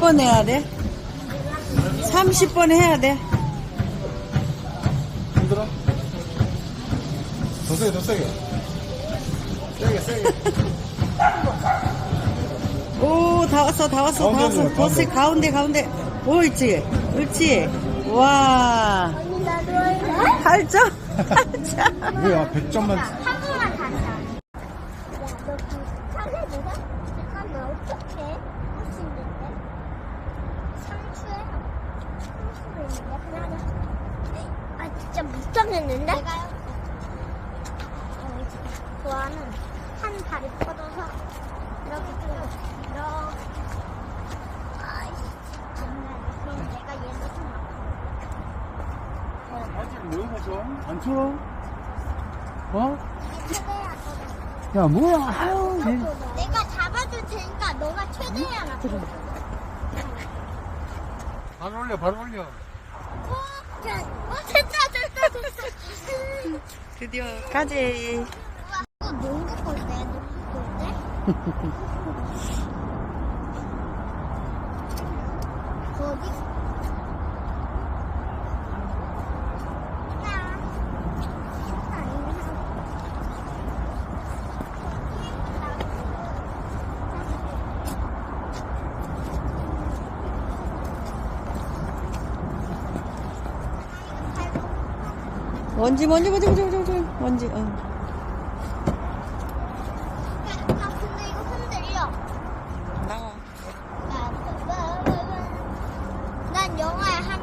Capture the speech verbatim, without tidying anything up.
번 해야 돼? 삼십 번 해야 돼? 힘들어? 더 세게, 더 세게. 세게, 세게. 오, 다 왔어, 다 왔어, 다 가운데로 왔어. 가, 더 세, 가운데, 가운데. 옳지, 옳지. 와, 언니 나도 할래? 팔 점? 팔 점. 뭐야, 백 점만. 한 번만 가자. 야, 너 비슷하게 누가? 잠깐만, 어떡해? 할 수 있는데? 상추에? 상추에 있는데? 그냥 하자. 아, 진짜 못하겠는데? 내가요? 어, 좋아하는 한 다리 뻗어서 이렇게 쭉, 이렇게. 아이씨, 정말. 그럼 내가 얘를 좀 아파. 바지 왜 가져? 안 추워? 어? 최대야, 너가. 야, 뭐야, 아유. 얘. 내가 잡아줄 테니까 너가 최대한 아파. 발 올려, 발 올려. 어, 자, 어, 됐다, 됐다, 됐다. 드디어 까지. 우와, 이거 농구 골 때, 농구 골 때? 그 어디? 야, 먼지, 먼지, 먼지, 먼지, 먼지, 먼지, 먼지. 응. 야, 근데 이거 흔들려. 나와. 난 영화에 한